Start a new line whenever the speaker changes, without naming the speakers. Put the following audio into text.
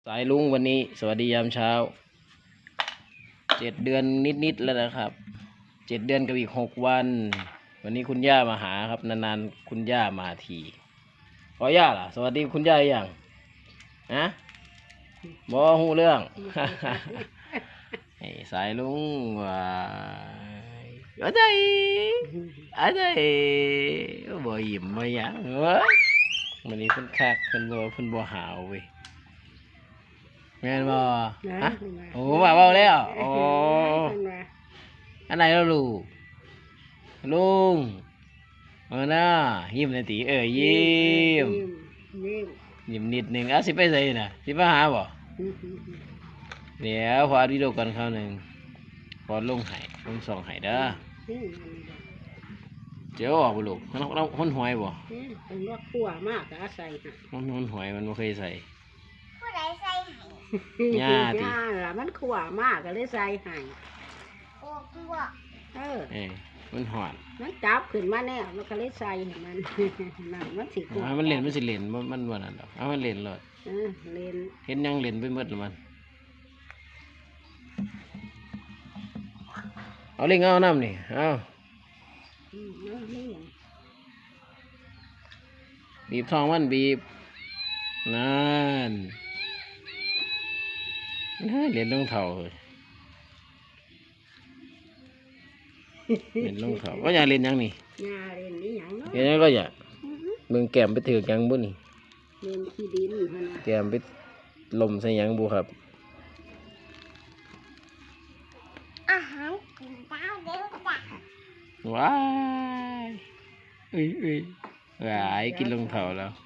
สายลุงวันนี้สวัสดียามเช้า7 เดือนนิดๆแล้วนะครับ7 เดือนกับอีก6 วันวันนี้คุณย่ามาหาครับนานๆคุณย่ามาทีขอย่าล่ะสวัสดีคุณย่าอย่างนะบอหูเรื่อง ไอ้สายลุงว่าอะไรอะไรบ่ยิ้มบ่หยังเว้ยวันนี้เพิ่นคักเพิ่นบ่หาวเว้ยแม่นบ่ฮะโอ้ว่าเว้าแล้วโอ้อันไหนแล้วลูกลุงน่ะยิ้มหน่อยติยิ้มยิ้มนิดหนึงสิไปไสน่ะสิมาหาบ่เดี๋ยวพออัดวิดีโอก่อนคราวหนึงพอลงส่องให้เด้อเจ้าออกบ่ลูกเราคนหวยบ่
เป็นว่าขั่วมากแต่ใส่ค่ะ
มันหวยมันบ่เคยใส่
ผู้ใดใส่ให้
ย่าติ
ย่าล่ะมันขั่วมากก็เลยใส่ให้
โอ้กลัว
มันหอน
มันจับขึ้นมาแน่มันก็เลยใส่ให้มัน นั่นมันสิขั่ว
มันเล่นมันบ่นั่นดอกมันเล่นเลย
เล่น
เห็นยังเล่นไปหมดแล้วมันเอาเล่งเอาน้ำนี่เอาบีบท้องมันบีบนั่นเล่นลงเท่าเลยเล่นลงเท่าว่าอยากเล่นยังนี่
ย่าเล่นนี่หยังเนาะ
เล่นยังก็อยากเมืองแก้มไปถือกยังบุนี่
เล่นขี้ดินหั่นน่ะ
แก้มไปลมใส่ยังบุครับ
อาหารกินเต้าเดี๋ยวจ้ะ
ว้ายหายกินลงเท่าแล้ว